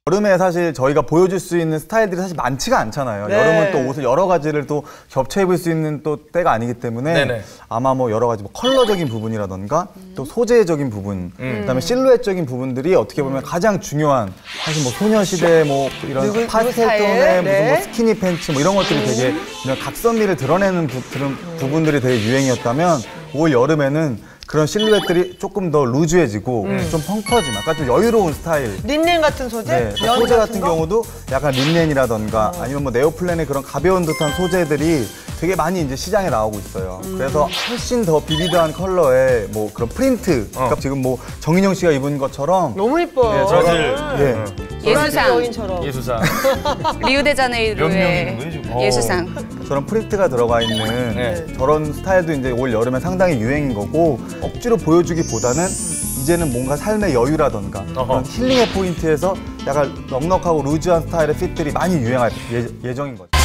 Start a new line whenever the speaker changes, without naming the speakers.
여름에 사실 저희가 보여줄 수 있는 스타일들이 사실 많지가 않잖아요.
네.
여름은 또 옷을 여러 가지를 또 겹쳐 입을 수 있는 또 때가 아니기 때문에
네네.
아마 뭐 여러 가지 뭐 컬러적인 부분이라던가 또 소재적인 부분, 그다음에 실루엣적인 부분들이 어떻게 보면 가장 중요한 사실 뭐 소녀시대 뭐 이런 파스텔 톤의 무슨 뭐 스키니 팬츠 뭐 이런 것들이 되게 이런 각선미를 드러내는 부분들이 되게 유행이었다면 올 여름에는 그런 실루엣들이 조금 더 루즈해지고 좀 펑퍼짐, 약간 좀 여유로운 스타일.
린넨 같은 소재?
네, 소재 같은 경우도 약간 린넨이라던가 아니면 뭐 네오플랜의 그런 가벼운 듯한 소재들이 되게 많이 이제 시장에 나오고 있어요. 그래서 훨씬 더 비비드한 컬러의 뭐 그런 프린트. 그러니까 지금 뭐 정인영 씨가 입은 것처럼
너무 이뻐.
네,
브라질
예수상.
여인처럼.
예수상.
리우데자네이루의
몇 명인 거예요, 지금?
예수상.
저런 프린트가 들어가 있는
네.
저런 스타일도 이제 올 여름에 상당히 유행인 거고 억지로 보여주기보다는 이제는 뭔가 삶의 여유라던가 그런 힐링의 포인트에서 약간 넉넉하고 루즈한 스타일의 핏들이 많이 유행할 예정인 거죠.